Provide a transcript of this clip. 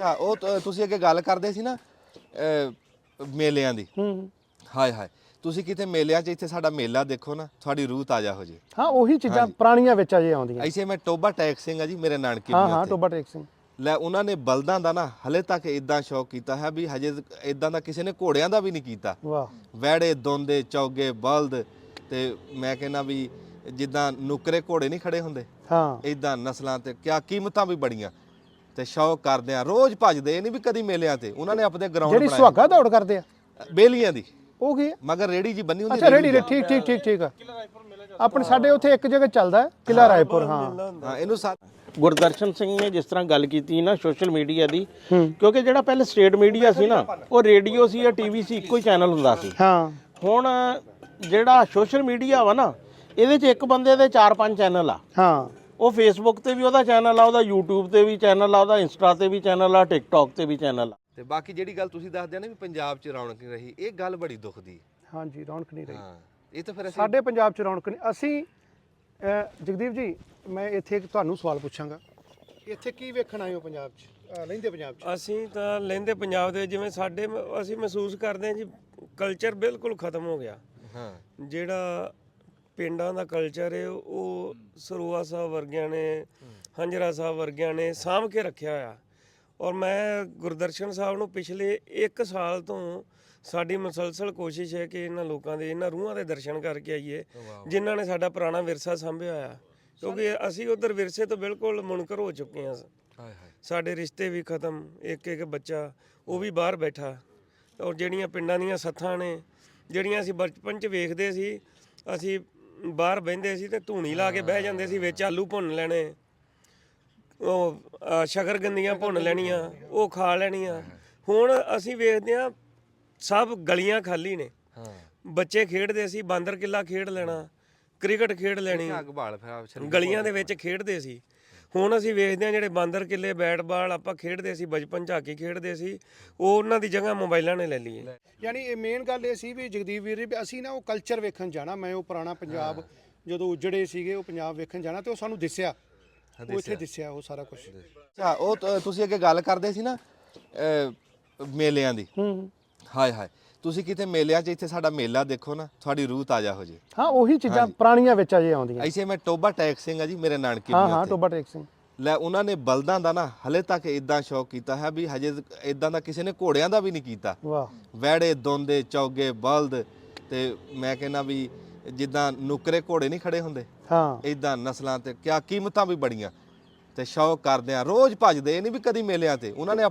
ਅੱਛਾ ਉਹ ਤੁਸੀਂ ਅੱਗੇ ਗੱਲ ਕਰਦੇ ਸੀ ਨਾ ਮੇਲਿਆਂ ਦੀ। ਹਾਏ ਹਾਏ ਤੁਸੀਂ ਕਿਤੇ ਮੇਲਿਆਂ 'ਚ ਇੱਥੇ ਸਾਡਾ ਮੇਲਾ ਦੇਖੋ ਨਾ ਤੁਹਾਡੀ ਰੂਹ ਤਾਜ਼ਾ ਹੋ ਜੇ। ਹਾਂ ਉਹੀ ਚੀਜ਼ਾਂ ਪੁਰਾਣੀਆਂ ਵਿੱਚ ਅਜੇ ਆਉਂਦੀਆਂ। ਐਸੇ ਮੈਂ ਟੋਬਾ ਟੈਕ ਸਿੰਘ ਆ ਜੀ ਮੇਰੇ ਨਾਨਕੇ ਹਾਂ ਵੀ ਹਾਂ ਉੱਥੇ। ਟੋਬਾ ਟੇਕ ਸਿੰਘ ਲੈ ਉਹਨਾਂ ਨੇ ਬਲਦਾਂ ਦਾ ਨਾ ਹਲੇ ਤੱਕ ਇਦਾਂ ਸ਼ੌਕ ਕੀਤਾ ਹੈ ਵੀ ਹਜੇ ਇਦਾਂ ਦਾ ਕਿਸੇ ਨੇ ਘੋੜਿਆਂ ਦਾ ਵੀ ਨਹੀਂ ਕੀਤਾ। ਵਾਹ ਵਹਿੜੇ ਦੋਂਦੇ ਚੌਗੇ ਬਲਦ ਤੇ ਮੈਂ ਕਹਿੰਦਾ ਵੀ ਜਿੱਦਾਂ ਨੁਕਰੇ ਘੋੜੇ ਨਹੀਂ ਖੜੇ ਹੁੰਦੇ ਹਾਂ ਇਦਾਂ ਨਸਲਾਂ ਤੇ ਕਿਆ ਕੀਮਤਾਂ ਵੀ ਬੜੀਆਂ ਤੇ ਸ਼ੌਕ ਕਰਦੇ ਆ ਰੋਜ਼ ਭੱਜਦੇ ਨਹੀਂ ਵੀ ਕਦੀ ਮੇਲਿਆਂ ਤੇ ਉਹਨਾਂ ਨੇ ਆਪਣੇ ਗਰਾਊਂਡ ਜਿਹੜੀ ਸੁਹਾਗਾ ਦੌੜ ਕਰਦੇ ਆ ਬੇਲੀਆਂ ਦੀ ਉਹ ਕੀ ਹੈ? ਮਗਰ ਰੇੜੀ ਜੀ ਬੰਨੀ ਹੁੰਦੀ ਅੱਛਾ ਰੇੜੀ ਠੀਕ ਠੀਕ ਠੀਕ ਠੀਕ ਆ ਆਪਣੇ ਸਾਡੇ ਉੱਥੇ ਇੱਕ ਜਗ੍ਹਾ ਚੱਲਦਾ ਹੈ, ਕਿਲ੍ਹਾ ਰਾਏਪੁਰ। ਹਾਂ ਹਾਂ ਇਹਨੂੰ ਗੁਰਦਰਸ਼ਨ ਸਿੰਘ ਨੇ ਜਿਸ ਤਰ੍ਹਾਂ ਗੱਲ ਕੀਤੀ ਨਾ ਸੋਸ਼ਲ ਮੀਡੀਆ ਦੀ, ਕਿਉਂਕਿ ਜਿਹੜਾ ਪਹਿਲੇ ਸਟੇਟ ਮੀਡੀਆ ਸੀ ਨਾ ਉਹ ਰੇਡੀਓ ਸੀ ਜਾਂ ਟੀਵੀ ਸੀ, ਇੱਕੋ ਹੀ ਚੈਨਲ ਹੁੰਦਾ ਸੀ। ਹਾਂ ਹੁਣ ਜਿਹੜਾ ਸੋਸ਼ਲ ਮੀਡੀਆ ਵਾ ਨਾ ਇਹਦੇ 'ਚ ਇੱਕ ਬੰਦੇ ਦੇ 4-5 ਚੈਨਲ ਆ। ਹਾਂ ਉਹ ਫੇਸਬੁੱਕ ਤੇ ਵੀ ਉਹਦਾ ਚੈਨਲ ਆ, ਉਹਦਾ YouTube ਤੇ ਵੀ ਚੈਨਲ ਆ, ਉਹਦਾ ਇੰਸਟਾ ਤੇ ਵੀ ਚੈਨਲ ਆ, ਟਿਕਟੌਕ ਤੇ ਵੀ ਚੈਨਲ ਆ। ਤੇ ਬਾਕੀ ਜਿਹੜੀ ਗੱਲ ਤੁਸੀਂ ਦੱਸਦੇ ਨਾ ਵੀ ਪੰਜਾਬ 'ਚ ਰੌਣਕ ਨਹੀਂ ਰਹੀ, ਇਹ ਗੱਲ ਬੜੀ ਦੁੱਖ ਦੀ। ਹਾਂਜੀ ਰੌਣਕ ਨਹੀਂ ਰਹੀ। ਹਾਂ ਇਹ ਤਾਂ ਫਿਰ ਅਸੀਂ ਸਾਡੇ ਪੰਜਾਬ 'ਚ ਰੌਣਕ ਨਹੀਂ। ਅਸੀਂ ਜਗਦੀਪ ਜੀ ਮੈਂ ਇੱਥੇ ਇੱਕ ਤੁਹਾਨੂੰ ਸਵਾਲ ਪੁੱਛਾਂਗਾ, ਇੱਥੇ ਕੀ ਵੇਖਣ ਆਏ ਹੋ ਪੰਜਾਬ 'ਚ, ਲਹਿੰਦੇ ਪੰਜਾਬ 'ਚ? ਅਸੀਂ ਤਾਂ ਲਹਿੰਦੇ ਪੰਜਾਬ ਦੇ ਜਿਵੇਂ ਸਾਡੇ ਅਸੀਂ ਮਹਿਸੂਸ ਕਰਦੇ ਹਾਂ ਜੀ ਕਲਚਰ ਬਿਲਕੁਲ ਖਤਮ ਹੋ ਗਿਆ। ਹਾਂ ਜਿਹੜਾ ਪਿੰਡਾਂ ਦਾ ਕਲਚਰ ਹੈ ਉਹ ਸਰੂਆ ਸਾਹਿਬ ਵਰਗਿਆਂ ਨੇ, ਹੰਜਰਾ ਸਾਹਿਬ ਵਰਗਿਆਂ ਨੇ ਸਾਂਭ ਕੇ ਰੱਖਿਆ ਹੋਇਆ। ਔਰ ਮੈਂ ਗੁਰਦਰਸ਼ਨ ਸਾਹਿਬ ਨੂੰ ਪਿਛਲੇ 1 ਸਾਲ ਤੋਂ ਸਾਡੀ ਮੁਸਲਸਲ ਕੋਸ਼ਿਸ਼ ਹੈ ਕਿ ਇਹਨਾਂ ਲੋਕਾਂ ਦੇ ਇਹਨਾਂ ਰੂਹਾਂ ਦੇ ਦਰਸ਼ਨ ਕਰਕੇ ਆਈਏ ਜਿਨ੍ਹਾਂ ਨੇ ਸਾਡਾ ਪੁਰਾਣਾ ਵਿਰਸਾ ਸਾਂਭਿਆ ਹੋਇਆ, ਕਿਉਂਕਿ ਅਸੀਂ ਉਧਰ ਵਿਰਸੇ ਤੋਂ ਬਿਲਕੁਲ ਮੁਨਕਰ ਹੋ ਚੁੱਕੇ ਹਾਂ। ਸਾਡੇ ਰਿਸ਼ਤੇ ਵੀ ਖਤਮ, ਇੱਕ ਇੱਕ ਬੱਚਾ ਉਹ ਵੀ ਬਾਹਰ ਬੈਠਾ। ਔਰ ਜਿਹੜੀਆਂ ਪਿੰਡਾਂ ਦੀਆਂ ਸੱਥਾਂ ਨੇ ਜਿਹੜੀਆਂ ਅਸੀਂ ਬਚਪਨ 'ਚ ਵੇਖਦੇ ਸੀ, ਅਸੀਂ ਬਾਹਰ ਬਹਿੰਦੇ ਸੀ ਤੇ ਧੂਣੀ ਲਾ ਕੇ ਬਹਿ ਜਾਂਦੇ ਸੀ, ਵਿੱਚ ਆਲੂ ਭੁੰਨ ਲੈਣੇ, ਉਹ ਸ਼ਕਰਗੰਦੀਆਂ ਭੁੰਨ ਲੈਣੀਆਂ, ਉਹ ਖਾ ਲੈਣੀਆਂ। ਹੁਣ ਅਸੀਂ ਵੇਖਦੇ ਹਾਂ ਸਭ ਗਲੀਆਂ ਖਾਲੀ ਨੇ। ਬੱਚੇ ਖੇਡਦੇ ਸੀ, ਬਾਂਦਰ ਕਿੱਲਾ ਖੇਡ ਲੈਣਾ, ਕ੍ਰਿਕਟ ਖੇਡ ਲੈਣੀ, ਗਲੀਆਂ ਦੇ ਵਿੱਚ ਖੇਡਦੇ ਸੀ। ਹੁਣ ਅਸੀਂ ਵੇਖਦੇ ਹਾਂ ਜਿਹੜੇ ਬਾਂਦਰ ਕਿੱਲੇ ਬੈਟ ਬਾਲ ਆਪਾਂ ਖੇਡਦੇ ਸੀ ਬਚਪਨ 'ਚ, ਹਾਕੀ ਖੇਡਦੇ ਸੀ, ਉਹ ਉਹਨਾਂ ਦੀ ਜਗ੍ਹਾ ਮੋਬਾਈਲਾਂ ਨੇ ਲੈ ਲਈ ਹੈ। ਯਾਨੀ ਇਹ ਮੇਨ ਗੱਲ ਇਹ ਸੀ ਵੀ ਜਗਦੀਪ ਵੀਰ ਵੀ ਅਸੀਂ ਨਾ ਉਹ ਕਲਚਰ ਵੇਖਣ ਜਾਣਾ। ਮੈਂ ਉਹ ਪੁਰਾਣਾ ਪੰਜਾਬ ਜਦੋਂ ਉਜੜੇ ਸੀਗੇ ਉਹ ਪੰਜਾਬ ਵੇਖਣ ਜਾਣਾ ਤੇ ਉਹ ਸਾਨੂੰ ਦਿਸਿਆ, ਉਹ ਇੱਥੇ ਦਿਸਿਆ ਉਹ ਸਾਰਾ ਕੁਝ। ਅੱਛਾ ਉਹ ਤੁਸੀਂ ਅੱਗੇ ਗੱਲ ਕਰਦੇ ਸੀ ਨਾ ਮੇਲਿਆਂ ਦੀ। ਹਾਏ ਹਾਏ ਤੁਸੀਂ ਕਿਤੇ ਮੇਲਿਆਂ 'ਚ ਇੱਥੇ ਸਾਡਾ ਮੇਲਾ ਦੇਖੋ ਨਾ ਤੁਹਾਡੀ ਰੂਹ ਤਾਜ਼ਾ ਹੋ ਜੇ। ਹਾਂ ਉਹੀ ਚੀਜ਼ਾਂ ਪੁਰਾਣੀਆਂ ਵਿੱਚ ਅਜੇ ਆਉਂਦੀਆਂ। ਐਸੇ ਮੈਂ ਟੋਬਾ ਟੈਕ ਸਿੰਘ ਆ ਜੀ ਮੇਰੇ ਨਾਨਕੇ ਹਾਂ ਵੀ ਹਾਂ ਉੱਥੇ। ਟੋਬਾ ਟੇਕ ਸਿੰਘ ਲੈ ਉਹਨਾਂ ਨੇ ਬਲਦਾਂ ਦਾ ਨਾ ਹਲੇ ਤੱਕ ਇਦਾਂ ਸ਼ੌਕ ਕੀਤਾ ਹੈ ਵੀ ਹਜੇ ਇਦਾਂ ਦਾ ਕਿਸੇ ਨੇ ਘੋੜਿਆਂ ਦਾ ਵੀ ਨਹੀਂ ਕੀਤਾ। ਵਾਹ ਵਹਿੜੇ ਦੋਂਦੇ ਚੌਗੇ ਬਲਦ ਤੇ ਮੈਂ ਕਹਿੰਦਾ ਵੀ ਜਿੱਦਾਂ ਨੁਕਰੇ ਘੋੜੇ ਨਹੀਂ ਖੜੇ ਹੁੰਦੇ ਹਾਂ ਇਦਾਂ ਨਸਲਾਂ ਤੇ ਕਿਆ ਕੀਮਤਾਂ ਵੀ ਬੜੀਆਂ ਤੇ ਸ਼ੌਕ ਕਰਦੇ ਆ ਰੋਜ਼ ਭੱਜਦੇ ਨਹੀਂ ਵੀ ਕਦੀ ਮੇਲਿਆਂ ਤੇ ਉਹਨਾਂ ਨੇ